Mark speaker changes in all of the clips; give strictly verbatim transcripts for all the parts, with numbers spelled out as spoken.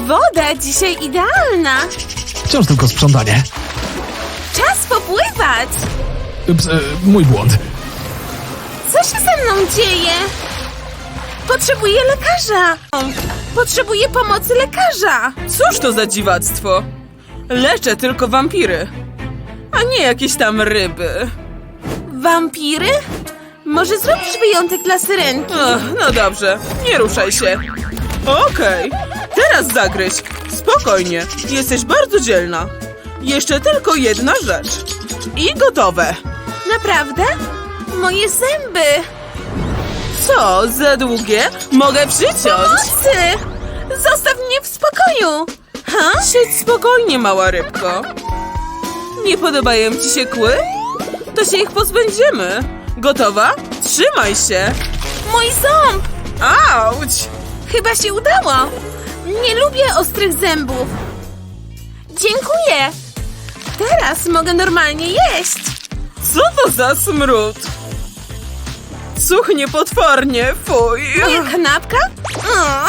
Speaker 1: Woda dzisiaj idealna.
Speaker 2: Wciąż tylko sprzątanie.
Speaker 1: Czas popływać.
Speaker 2: Ups, e, mój błąd.
Speaker 1: Co się ze mną dzieje? Potrzebuję lekarza. Potrzebuję pomocy lekarza.
Speaker 3: Cóż to za dziwactwo? Leczę tylko wampiry, a nie jakieś tam ryby.
Speaker 1: Wampiry? Może zrobisz wyjątek dla syrenki?
Speaker 3: Ach, no dobrze, nie ruszaj się. Okej, teraz zagryź. Spokojnie, jesteś bardzo dzielna. Jeszcze tylko jedna rzecz. I gotowe.
Speaker 1: Naprawdę? Moje zęby.
Speaker 3: Co, za długie? Mogę przyciąć.
Speaker 1: Pomocy! Zostaw mnie w spokoju. Ha?
Speaker 3: Siedź spokojnie, mała rybko. Nie podobają ci się kły? To się ich pozbędziemy. Gotowa? Trzymaj się.
Speaker 1: Mój ząb!
Speaker 3: Auć!
Speaker 1: Chyba się udało. Nie lubię ostrych zębów. Dziękuję. Teraz mogę normalnie jeść.
Speaker 3: Co to za smród? Cuchnie potwornie, fuj.
Speaker 1: Moja kanapka? O,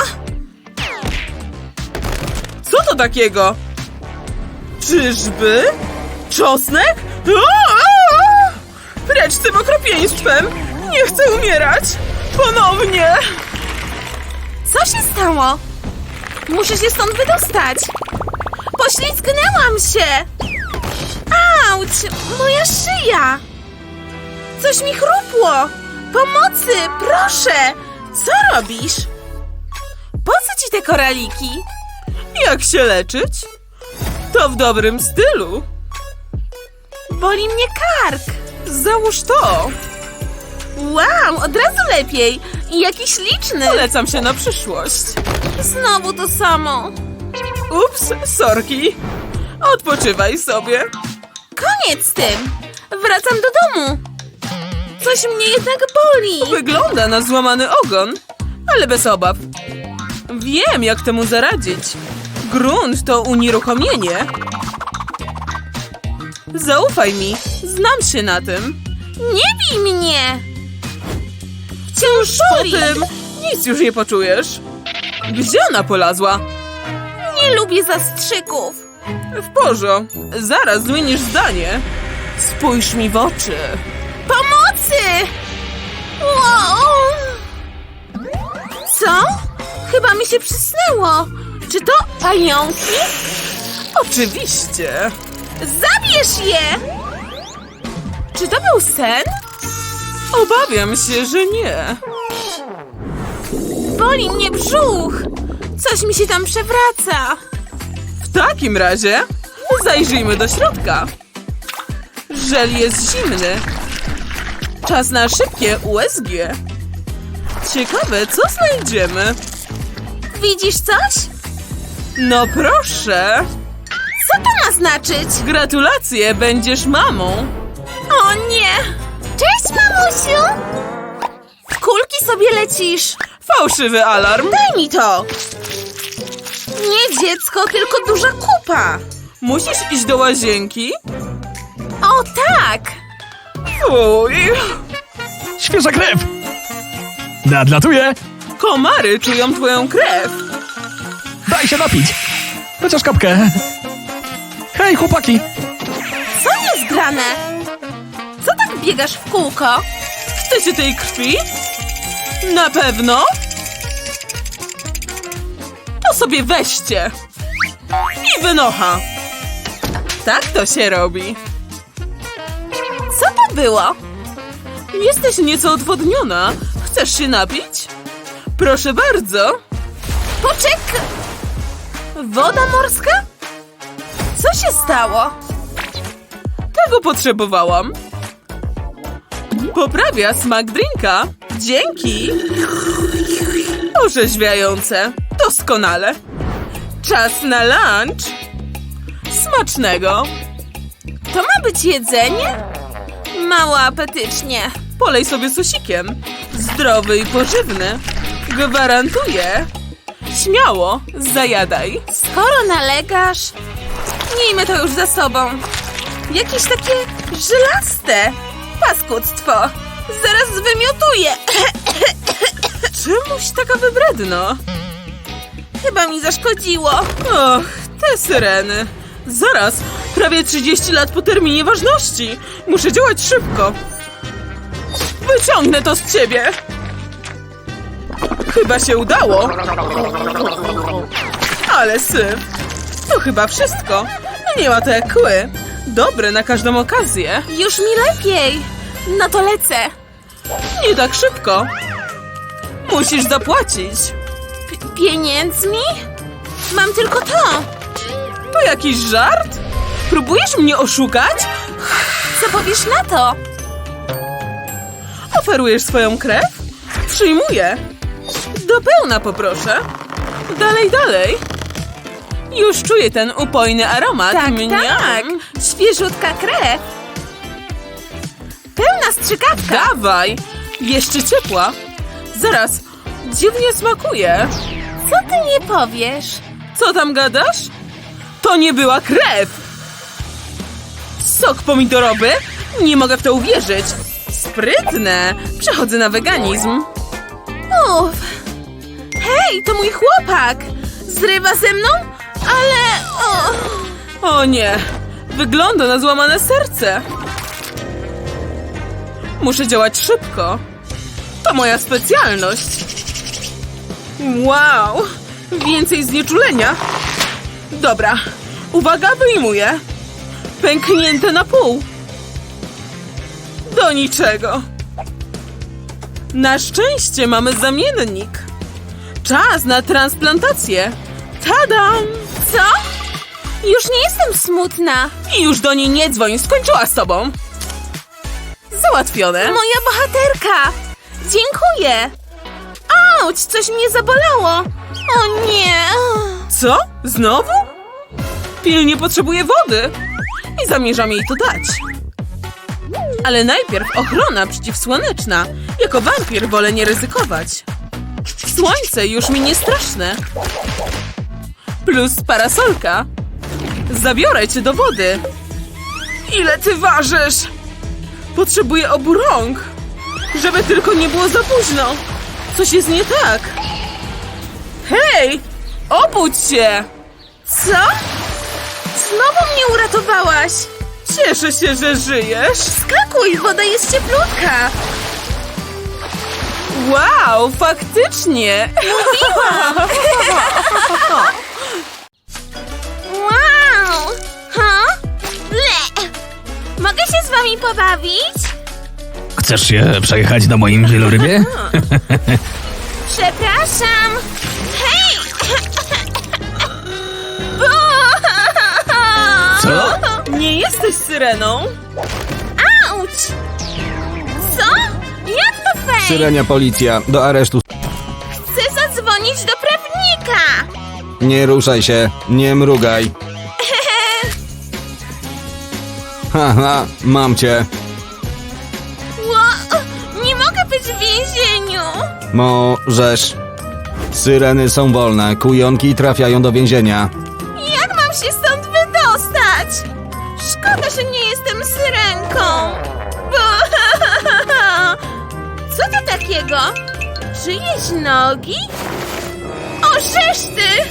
Speaker 3: Co to takiego? Czyżby? Czosnek? Aaa! Precz z tym okropieństwem! Nie chcę umierać! Ponownie!
Speaker 1: co się stało? Muszę się stąd wydostać. Poślizgnęłam się. Auć, moja szyja. Coś mi chrupło. Pomocy, proszę. Co robisz? Po co ci te koraliki?
Speaker 3: Jak się leczyć? To w dobrym stylu.
Speaker 1: Boli mnie kark.
Speaker 3: Załóż to.
Speaker 1: Wow, od razu lepiej. I jakiś liczny.
Speaker 3: Polecam się na przyszłość.
Speaker 1: Znowu to samo.
Speaker 3: Ups, sorki. Odpoczywaj sobie.
Speaker 1: Koniec z tym. Wracam do domu. Coś mnie jednak boli.
Speaker 3: Wygląda na złamany ogon, ale bez obaw. Wiem, jak temu zaradzić. Grunt to unieruchomienie. Zaufaj mi, znam się na tym.
Speaker 1: Nie bij mnie. Wciąż
Speaker 3: Po
Speaker 1: boli.
Speaker 3: tym nic już nie poczujesz. Gdzie ona polazła?
Speaker 1: Nie lubię zastrzyków.
Speaker 3: W porządku, zaraz zmienisz zdanie. Spójrz mi w oczy.
Speaker 1: Pomocy! Wow. Co? Chyba mi się przysnęło. Czy to pająki?
Speaker 3: Oczywiście.
Speaker 1: Zabierz je! Czy to był sen?
Speaker 3: Obawiam się, że nie.
Speaker 1: Boli mnie brzuch. Coś mi się tam przewraca.
Speaker 3: W takim razie zajrzyjmy do środka. Żel jest zimny. Czas na szybkie U S G. Ciekawe, co znajdziemy.
Speaker 1: Widzisz coś?
Speaker 3: No proszę.
Speaker 1: Co to ma znaczyć?
Speaker 3: Gratulacje, będziesz mamą.
Speaker 1: O nie! Cześć, mamusiu! W kulki sobie lecisz.
Speaker 3: Fałszywy alarm.
Speaker 1: Daj mi to! Nie dziecko, tylko duża kupa.
Speaker 3: Musisz iść do łazienki?
Speaker 1: O tak!
Speaker 3: Fuj.
Speaker 2: Świeża krew! Nadlatuję!
Speaker 3: Komary czują twoją krew.
Speaker 2: Daj się napić! Chociaż kapkę. Hej, chłopaki!
Speaker 1: Co jest grane? Co tak biegasz w kółko?
Speaker 3: Chcecie tej krwi? Na pewno? To sobie weźcie. I wynocha. Tak to się robi.
Speaker 1: Co to było?
Speaker 3: Jesteś nieco odwodniona. Chcesz się napić? Proszę bardzo.
Speaker 1: Poczek... Woda morska? Co się stało?
Speaker 3: Tego potrzebowałam. Poprawia smak drinka. Dzięki. Orzeźwiające. Doskonale. Czas na lunch. Smacznego.
Speaker 1: To ma być jedzenie? Mało apetycznie.
Speaker 3: Polej sobie sosikiem. Zdrowy i pożywny. Gwarantuję. Śmiało, zajadaj.
Speaker 1: Skoro nalegasz, miejmy to już za sobą. Jakieś takie żelaste. Paskudztwo. Zaraz wymiotuję.
Speaker 3: Czemuś taka wybredna?
Speaker 1: Chyba mi zaszkodziło.
Speaker 3: Och, te syreny. Zaraz, prawie trzydzieści lat po terminie ważności. Muszę działać szybko. Wyciągnę to z ciebie. Chyba się udało. Ale syf. To chyba wszystko. Nie ma to jak kły. Dobre na każdą okazję.
Speaker 1: Już mi lepiej. No to lecę.
Speaker 3: Nie tak szybko. Musisz zapłacić.
Speaker 1: P- pieniędzmi? Mam tylko to.
Speaker 3: To jakiś żart? Próbujesz mnie oszukać?
Speaker 1: Co powiesz na to?
Speaker 3: Oferujesz swoją krew? Przyjmuję. Do pełna poproszę. Dalej, dalej. Już czuję ten upojny aromat.
Speaker 1: Tak,
Speaker 3: Mniam.
Speaker 1: tak. Świeżutka krew. Pełna strzykawka.
Speaker 3: Dawaj. Jeszcze ciepła. Zaraz. Dziwnie smakuje.
Speaker 1: Co ty nie powiesz?
Speaker 3: Co tam gadasz? To nie była krew. Sok pomidorowy? Nie mogę w to uwierzyć. Sprytne. Przechodzę na weganizm.
Speaker 1: Uff. Hej, to mój chłopak. Zrywa ze mną? Ale... O.
Speaker 3: O nie. Wygląda na złamane serce. Muszę działać szybko. To moja specjalność. Wow. Więcej znieczulenia. Dobra. Uwaga, wyjmuję. Pęknięte na pół. Do niczego. Na szczęście mamy zamiennik. Czas na transplantację. Tadam!
Speaker 1: Co? Już nie jestem smutna.
Speaker 3: I już do niej nie dzwoń, skończyła z tobą. Załatwione.
Speaker 1: Moja bohaterka. Dziękuję. Auć, coś mnie zabolało. O nie.
Speaker 3: Co? Znowu? Pilnie potrzebuję wody. I zamierzam jej to dać. Ale najpierw ochrona przeciwsłoneczna. Jako wampir wolę nie ryzykować. Słońce już mi nie straszne. Plus parasolka. Zabiorę cię do wody. Ile ty ważysz? Potrzebuję obu rąk. Żeby tylko nie było za późno. Coś jest nie tak. Hej! Obudź się!
Speaker 1: Co? Znowu mnie uratowałaś.
Speaker 3: Cieszę się, że żyjesz.
Speaker 1: Skakuj, woda jest cieplutka.
Speaker 3: Wow, faktycznie!
Speaker 1: Wow. Ha? Ble. Mogę się z wami pobawić?
Speaker 2: Chcesz się przejechać na moim wielorybie?
Speaker 1: Przepraszam. Hej!
Speaker 2: Co?
Speaker 3: Nie jesteś syreną?
Speaker 1: Auć! Co? Jak to fej?
Speaker 4: Syrenia policja, do aresztu.
Speaker 1: Chcę zadzwonić do prawnika.
Speaker 4: Nie ruszaj się, nie mrugaj. Haha, mam cię.
Speaker 1: Ło, nie mogę być w więzieniu.
Speaker 4: Możesz. Syreny są wolne, kujonki trafiają do więzienia.
Speaker 1: Jak mam się stąd wydostać? Szkoda, że nie jestem syrenką. Co to takiego? Czyjeś nogi? O, żeż ty!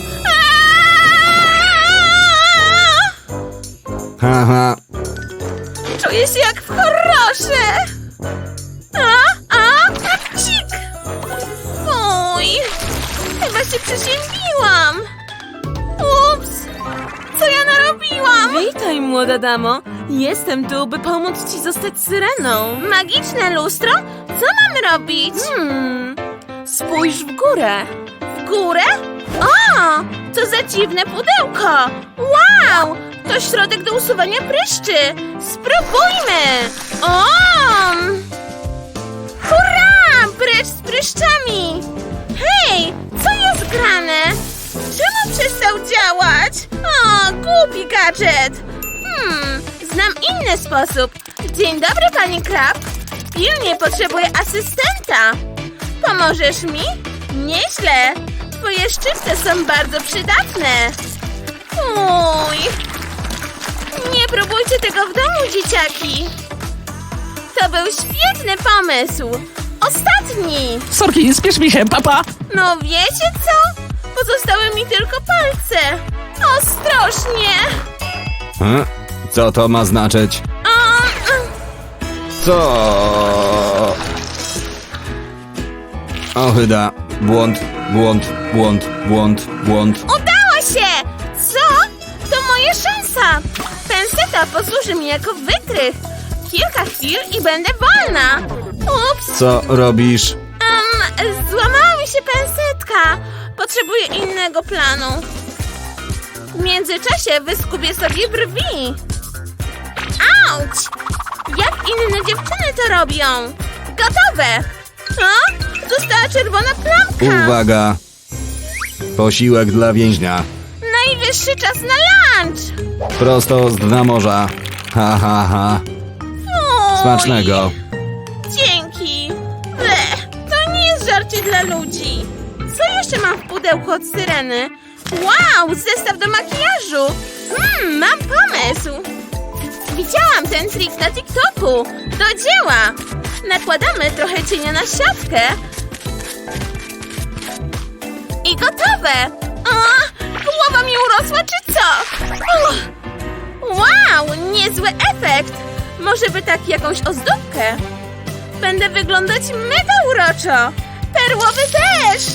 Speaker 4: Haha,
Speaker 1: Czuję się jak w horrorze. A, a, kapcik. Fuj. Chyba się przeziębiłam. Ups. Co ja narobiłam?
Speaker 3: Witaj, młoda damo. Jestem tu, by pomóc ci zostać syreną.
Speaker 1: Magiczne lustro? Co mam robić?
Speaker 3: Hmm, spójrz w górę.
Speaker 1: W górę? O, co za dziwne pudełko. Wow, to środek do usuwania pryszczy. Spróbujmy. O! Hurra, pryszcz z pryszczami. Hej, co jest grane? Czemu przestał działać? O, głupi gadżet. Hmm, znam inny sposób. Dzień dobry, pani Krab. Pilnie potrzebuję asystenta. Pomożesz mi? Nieźle. Twoje szczypce są bardzo przydatne. Uj. Nie próbujcie tego w domu, dzieciaki. To był świetny pomysł. Ostatni.
Speaker 2: Sorki, spiesz mi się, papa!
Speaker 1: No wiecie co? Pozostały mi mi tylko palce. Ostrożnie.
Speaker 4: Hm? Co to ma znaczyć?
Speaker 1: Um,
Speaker 4: Co? Ochyda. Błąd, błąd, błąd, błąd, błąd.
Speaker 1: Udało się! Co? To moja szansa! Penseta posłuży mi jako wytrych. Kilka chwil i będę wolna. Ups,
Speaker 4: Co robisz?
Speaker 1: um, złamała mi się pensetka. Potrzebuję innego planu. W międzyczasie wyskubię sobie brwi. Auć! Jak inne dziewczyny to robią? Gotowe! O, została czerwona plamka.
Speaker 4: Uwaga! Posiłek dla więźnia.
Speaker 1: Najwyższy czas na lunch.
Speaker 4: Prosto z dna morza. Ha, ha, ha.
Speaker 1: Fuj.
Speaker 4: Smacznego.
Speaker 1: Dzięki. Bleh, to nie jest żarcie dla ludzi. Co jeszcze mam w pudełku od Syreny? Wow, zestaw do makijażu. Hmm, mam pomysł. Widziałam ten trik na TikToku. Do dzieła. Nakładamy trochę cienia na siatkę. I gotowe. O, głowa mi urosła, czy co? Uch. Wow, niezły efekt. Może by tak jakąś ozdóbkę. Będę wyglądać mega uroczo. Perłowy deszcz.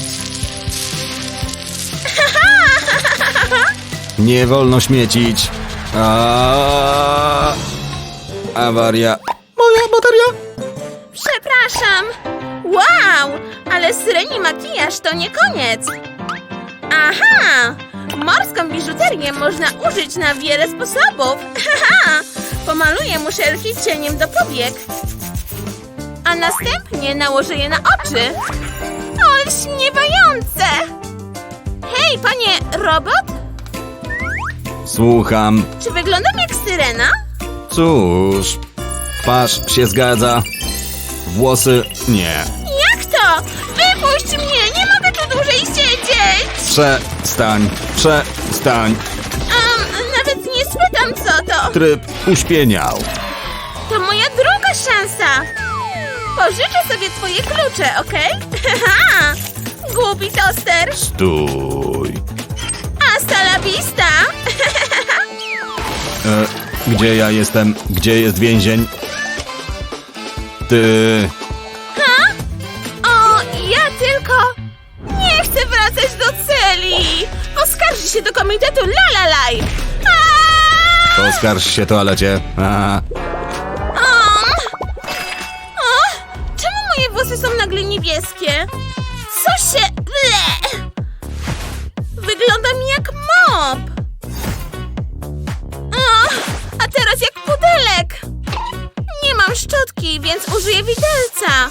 Speaker 4: Nie wolno śmiecić. A... Awaria. Moja bateria.
Speaker 1: Przepraszam. Wow, ale Syreni makijaż to nie koniec. Aha, morską biżuterię można użyć na wiele sposobów. Haha, pomaluję muszelki cieniem do powiek. A następnie nałożę je na oczy. Olśniewające! Hej, panie robot!
Speaker 4: Słucham.
Speaker 1: Czy wyglądam jak Syrena?
Speaker 4: Cóż. Twarz się zgadza. Włosy nie.
Speaker 1: Jak to? Wypuść mnie! Nie mogę tu dłużej siedzieć!
Speaker 4: Przestań. Przestań.
Speaker 1: Um, nawet nie spytam, co to.
Speaker 4: Tryb uśpieniał.
Speaker 1: To moja druga szansa. Pożyczę sobie twoje klucze, okej? Haha! Głupi toster.
Speaker 4: Stój.
Speaker 1: Hasta la vista!
Speaker 4: E, gdzie ja jestem? Gdzie jest więzień? Ty...
Speaker 1: Ha? O, ja tylko... Nie chcę wracać do celi! Poskarży się do komitetu Lalalaj! Aaaa!
Speaker 4: Poskarż się toalecie. A,
Speaker 1: Um. O, czemu moje włosy są nagle niebieskie? Co się... Ble! Wyglądam jak mop! O, a teraz jak pudelek! Nie mam szczotki, więc użyję widelca.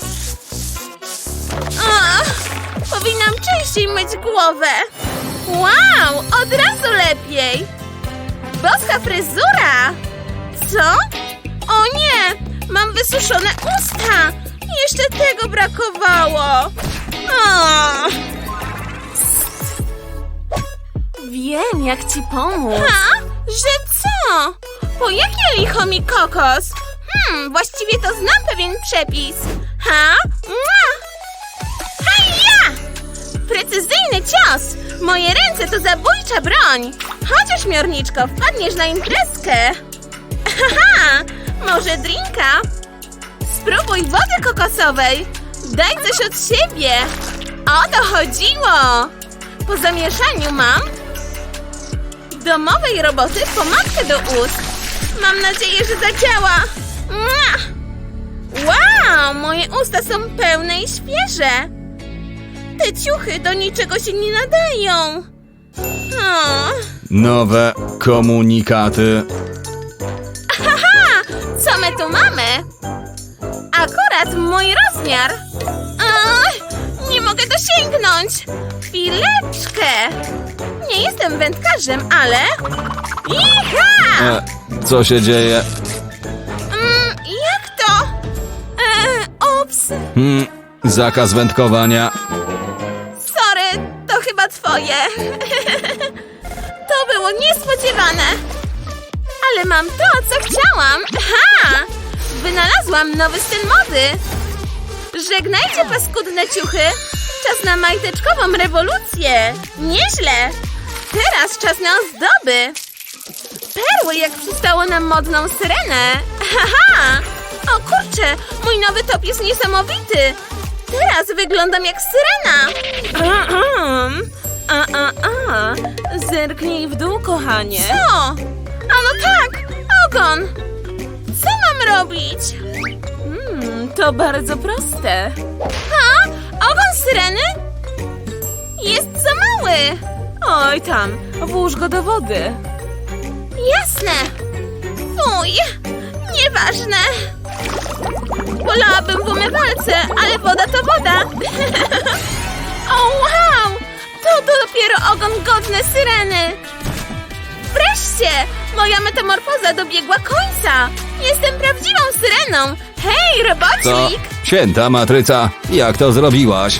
Speaker 1: O, powinnam częściej myć głowę. Wow, od razu lepiej! Boska fryzura! Co? O nie! Mam wysuszone usta! Jeszcze tego brakowało! O. Wiem, jak ci pomóc. Ha? Że co? Po jakie licho mi kokos? Hmm, właściwie to znam pewien przepis. Ha? Mua! Hajja! Precyzyjny cios! Moje ręce to zabójcza broń! Chodź, ośmiorniczko, wpadniesz na imprezkę! Haha! Może drinka? Spróbuj wody kokosowej! Daj coś od siebie! O to chodziło! Po zamieszaniu mam domowej roboty pomadkę do ust. Mam nadzieję, że zadziała! Mua! Wow! Moje usta są pełne i świeże! Te ciuchy do niczego się nie nadają! O.
Speaker 4: nowe komunikaty.
Speaker 1: Haha! Co my tu mamy? Akurat mój rozmiar! Ach, nie mogę dosięgnąć! Chwileczkę! Nie jestem wędkarzem, ale... Iha!
Speaker 4: E, co się dzieje?
Speaker 1: Mm, jak to? E, ups!
Speaker 4: Hmm, zakaz wędkowania.
Speaker 1: Sorry, to chyba twoje. To było niespodziewane. Ale mam to, co chciałam. Ha! Wynalazłam nowy styl mody. Żegnajcie paskudne ciuchy. Czas na majteczkową rewolucję. Nieźle. Teraz czas na ozdoby. Perły, jak przystało na modną syrenę. Haha! O kurczę, mój nowy top jest niesamowity. Teraz wyglądam jak syrena. Ahem. A, a, a. Zerknij w dół, kochanie. Co? A no tak, ogon. Co mam robić? Hmm, to bardzo proste. Ha? Ogon syreny? Jest za mały. Oj tam, włóż go do wody. Jasne. Fuj, nieważne. Wolałabym w umywalce, ale woda to woda. O wow, to dopiero ogon godny syreny. Wreszcie, moja metamorfoza dobiegła końca. Jestem prawdziwą syreną. Hej,
Speaker 4: Co?
Speaker 1: robocik.
Speaker 4: Święta matryca, jak to zrobiłaś?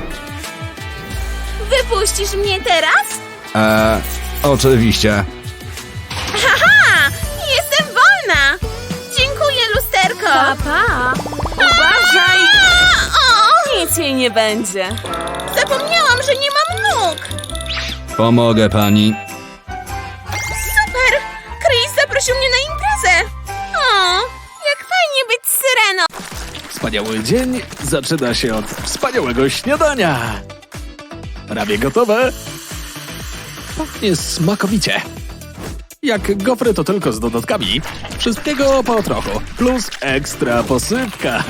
Speaker 1: Wypuścisz mnie teraz?
Speaker 4: Eee, oczywiście.
Speaker 1: Haha, jestem wolna. Dziękuję, lusterko.
Speaker 3: Papa, uważaj!
Speaker 1: O,
Speaker 3: Nic jej nie będzie.
Speaker 1: zapomniałam, że nie mam nóg.
Speaker 4: Pomogę pani.
Speaker 1: Super! Chris zaprosił mnie na imprezę. O, jak fajnie być syreną.
Speaker 2: Wspaniały dzień zaczyna się od wspaniałego śniadania. Prawie gotowe. Pachnie smakowicie. Jak gofry, to tylko z dodatkami. Wszystkiego po trochu. Plus ekstra posypka.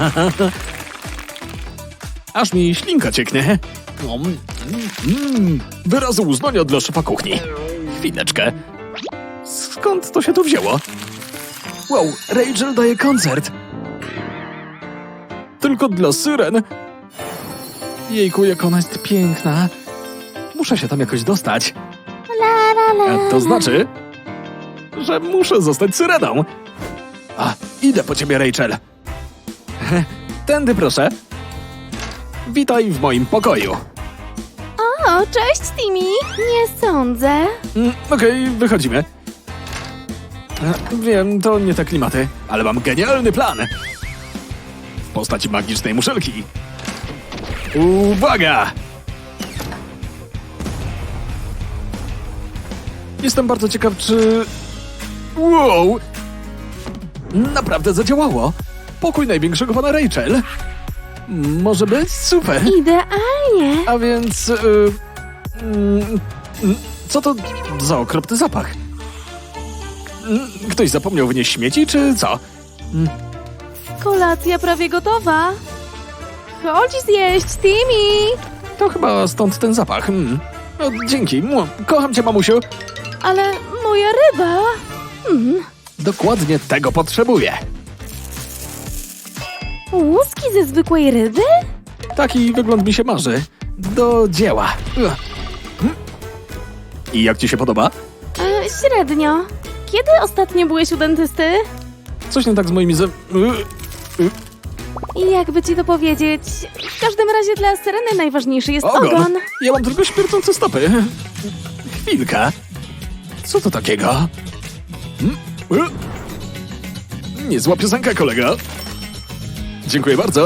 Speaker 2: Aż mi ślinka cieknie. Mm, mm, wyrazy uznania dla szefa kuchni. Chwileczkę. Skąd to się tu wzięło? Wow, Rachel daje koncert. Tylko dla syren. Jejku, jak ona jest piękna. Muszę się tam jakoś dostać. A to znaczy, że muszę zostać syreną. A, idę po ciebie, Rachel. Tędy proszę. Witaj w moim pokoju.
Speaker 1: O, cześć, Timmy. Nie sądzę.
Speaker 2: Mm, Okej, wychodzimy. E, Wiem, to nie te klimaty, ale mam genialny plan. W postaci magicznej muszelki. Uwaga! Jestem bardzo ciekaw, czy... Wow! Naprawdę zadziałało. Pokój największego pana Rachel. Może być super.
Speaker 1: Idealnie.
Speaker 2: A więc... y, mm, mm, co to za okropny zapach? Mm, Ktoś zapomniał wynieść śmieci, czy co?
Speaker 1: Kolacja prawie gotowa. Chodź zjeść, Timmy.
Speaker 2: To chyba stąd ten zapach. Mm. O, dzięki. Mu, Kocham cię, mamusiu.
Speaker 1: Ale moja ryba.
Speaker 2: Dokładnie tego potrzebuję.
Speaker 1: Łuski ze zwykłej ryby?
Speaker 2: Taki wygląd mi się marzy. Do dzieła. Ugh. Mm. I jak ci się podoba?
Speaker 1: E, średnio. Kiedy ostatnio byłeś u dentysty?
Speaker 2: Coś nie tak z moimi ze...
Speaker 1: I jakby ci to powiedzieć, w każdym razie dla syreny najważniejszy jest
Speaker 2: Ogon.
Speaker 1: ogon.
Speaker 2: Ja mam tylko śmierdzące stopy. Chwilka. Co to takiego? Hmm? E? Niezła piosenka, kolega. Dziękuję bardzo.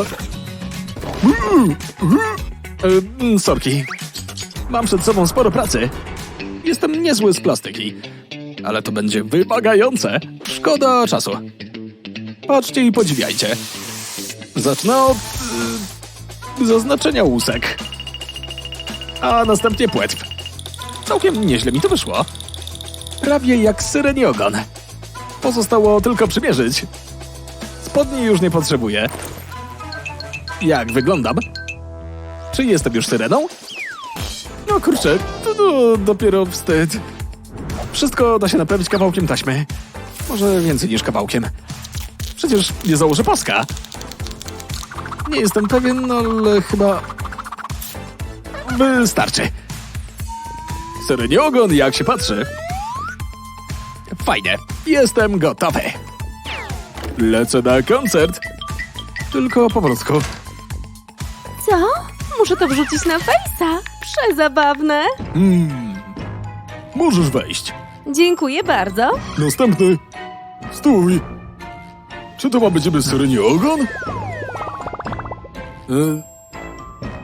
Speaker 2: E, sorki. Mam przed sobą sporo pracy. Jestem niezły z plastyki. Ale to będzie wymagające. Szkoda czasu. Patrzcie i podziwiajcie. Zacznę od y, zaznaczenia łusek. A następnie płetw. Całkiem nieźle mi to wyszło. Prawie jak syreni ogon. Pozostało tylko przymierzyć. Spodni już nie potrzebuję. Jak wyglądam? Czy jestem już syreną? No kurczę, to, to dopiero wstyd. Wszystko da się naprawić kawałkiem taśmy. Może więcej niż kawałkiem. Przecież nie założę paska. Nie jestem pewien, ale chyba... Wystarczy. Syreni ogon, jak się patrzy. Fajnie, jestem gotowy. Lecę na koncert. Tylko powolutku.
Speaker 1: Co? Muszę to wrzucić na fejsa. Przezabawne.
Speaker 2: Mm. Możesz wejść.
Speaker 1: Dziękuję bardzo.
Speaker 2: Następny. Stój. Czy to ma być syreni ogon? E,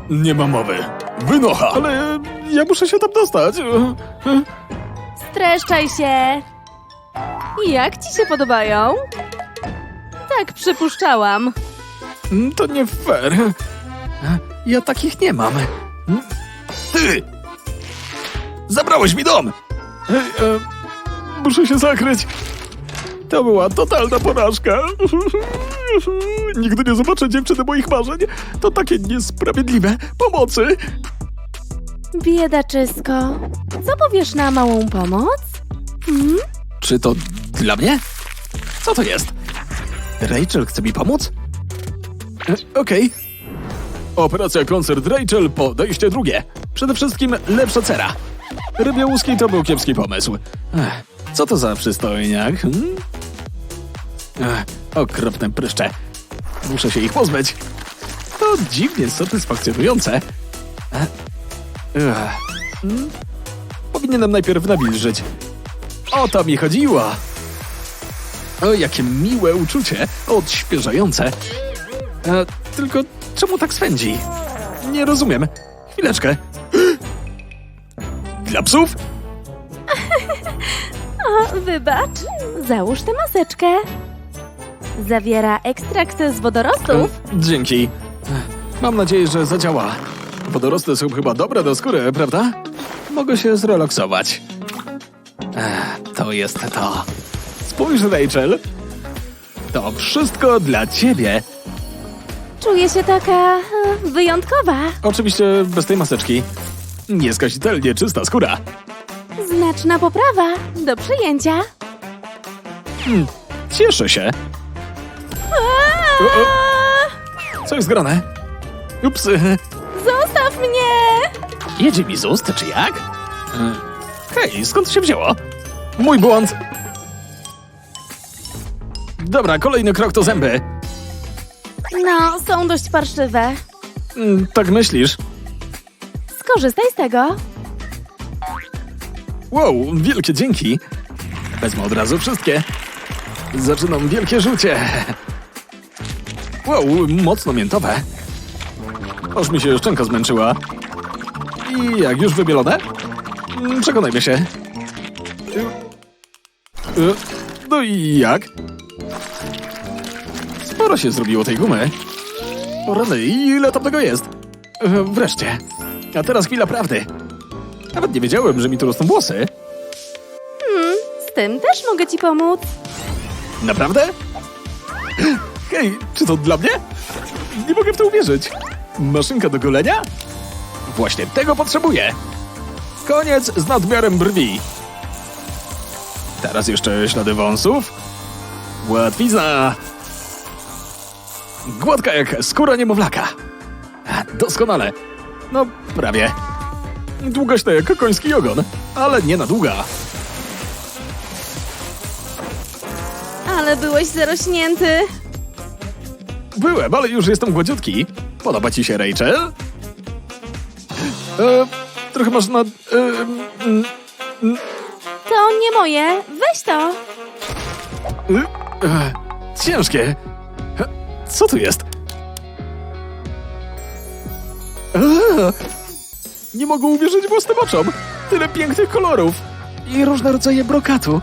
Speaker 2: Nie ma mowy. Wynocha! Ale ja muszę się tam dostać.
Speaker 1: Streszczaj się. Jak ci się podobają? Tak przypuszczałam.
Speaker 2: To nie fair. Ja takich nie mam. Ty! Zabrałeś mi dom! Ej, e, muszę się zakryć. To była totalna porażka. Nigdy nie zobaczę dziewczyny moich marzeń. To takie niesprawiedliwe. Pomocy!
Speaker 1: Biedaczysko, co powiesz na małą pomoc? Hmm?
Speaker 2: Czy to dla mnie? Co to jest? Rachel chce mi pomóc? E, Okej. Operacja Koncert Rachel, podejście drugie. Przede wszystkim lepsza cera. Rybie łuski to był kiepski pomysł. Ech, co to za przystojniak? Hmm? Ech, okropne pryszcze. Muszę się ich pozbyć. To dziwnie satysfakcjonujące. Ech, ech, hmm? Powinienem najpierw nawilżyć. O to mi chodziło. O, jakie miłe uczucie. Odświeżające. E, tylko czemu tak swędzi? Nie rozumiem. Chwileczkę. Dla psów?
Speaker 1: O, wybacz. Załóż tę maseczkę. Zawiera ekstrakt z wodorostów.
Speaker 2: E, dzięki. E, Mam nadzieję, że zadziała. Wodorosty są chyba dobre do skóry, prawda? Mogę się zrelaksować. E, to jest to. Spójrz, Rachel. To wszystko dla ciebie.
Speaker 1: Czuję się taka e, wyjątkowa.
Speaker 2: Oczywiście bez tej maseczki. Nieskazitelnie czysta skóra.
Speaker 1: Znaczna poprawa. Do przyjęcia.
Speaker 2: Hmm, cieszę się. O, o. Co jest grane? Ups.
Speaker 1: Zostaw mnie!
Speaker 2: Jedzie mi z ust, czy jak? E, Hej, skąd się wzięło? Mój błąd. Dobra, kolejny krok to zęby.
Speaker 1: No, są dość parszywe.
Speaker 2: Mm, tak myślisz?
Speaker 1: Skorzystaj z tego.
Speaker 2: Wow, wielkie dzięki. Wezmę od razu wszystkie. Zaczynam wielkie rzucie. Wow, mocno miętowe. Aż mi się szczęka zmęczyła. I jak już wybielone? Mm, Przekonajmy się. Y, No i jak? Sporo się zrobiło tej gumy. O rany, ile tam tego jest? Y, Wreszcie. A teraz chwila prawdy. Nawet nie wiedziałem, że mi tu rosną włosy.
Speaker 1: Z tym też mogę ci pomóc.
Speaker 2: Naprawdę? Hej, czy to dla mnie? Nie mogę w to uwierzyć. Maszynka do golenia? Właśnie tego potrzebuję. Koniec z nadmiarem brwi. Teraz jeszcze ślady wąsów. Łatwizna. Gładka jak skóra niemowlaka. Doskonale. No, prawie. Długaśna jak koński ogon, ale nie na długa.
Speaker 1: Ale byłeś zarośnięty.
Speaker 2: Byłem, ale już jestem gładziutki. Podoba ci się, Rachel? E, trochę masz na... E, mm,
Speaker 1: To nie moje. Weź to.
Speaker 2: e, e, ciężkie. E, co tu jest? E, nie mogę uwierzyć własnym oczom. Tyle pięknych kolorów. I różne rodzaje brokatu.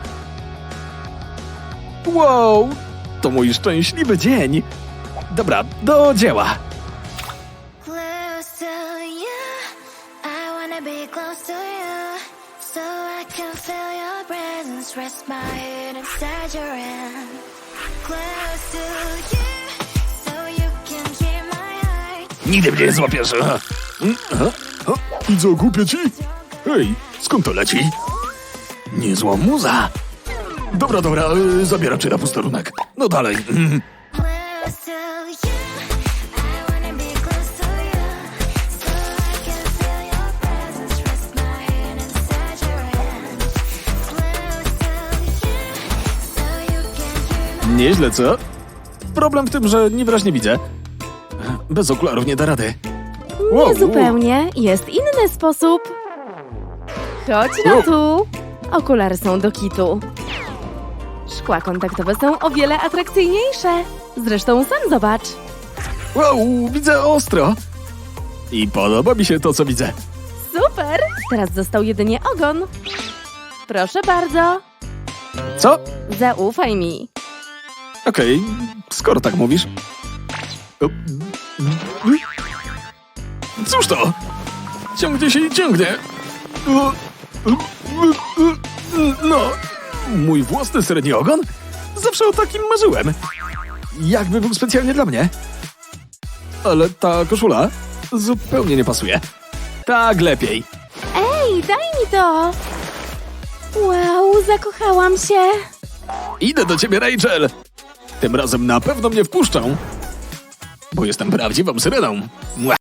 Speaker 2: Wow, to mój szczęśliwy dzień. Dobra, do dzieła.
Speaker 5: Close to you, I wanna be close to you, so I can feel your presence, rest my head inside your hand. Close to you, so you can hear my heart.
Speaker 2: Nigdy mnie nie złapiesz. Aha. Mm, aha. O, I co, głupie ci? Hej, skąd to leci? Niezła muza. Dobra, dobra, y, zabieram cię na posterunek. No dalej. Mm.
Speaker 5: Close to you, I wanna be close to you, so I can feel your presence, rest my head inside your hand. Close to you, so you can hear my
Speaker 2: Nieźle, co? Problem w tym, że niewyraźnie widzę. Bez okularów nie da rady. Wow,
Speaker 1: Nie zupełnie. Jest inny sposób. Chodź no tu. Okulary są do kitu. Szkła kontaktowe są o wiele atrakcyjniejsze. Zresztą sam zobacz.
Speaker 2: Wow, widzę ostro. I podoba mi się to, co widzę.
Speaker 1: Super! Teraz został jedynie ogon. Proszę bardzo.
Speaker 2: Co?
Speaker 1: Zaufaj mi.
Speaker 2: Okej, skoro tak mówisz. O, Cóż to? Ciągnie się i ciągnie. O, No, mój własny średni ogon? Zawsze o takim marzyłem. Jakby był specjalnie dla mnie. Ale ta koszula zupełnie nie pasuje. Tak lepiej.
Speaker 1: Ej, daj mi to! Wow, zakochałam się.
Speaker 2: Idę do ciebie, Rachel. Tym razem na pewno mnie wpuszczą. Bo jestem prawdziwą syreną. Mua.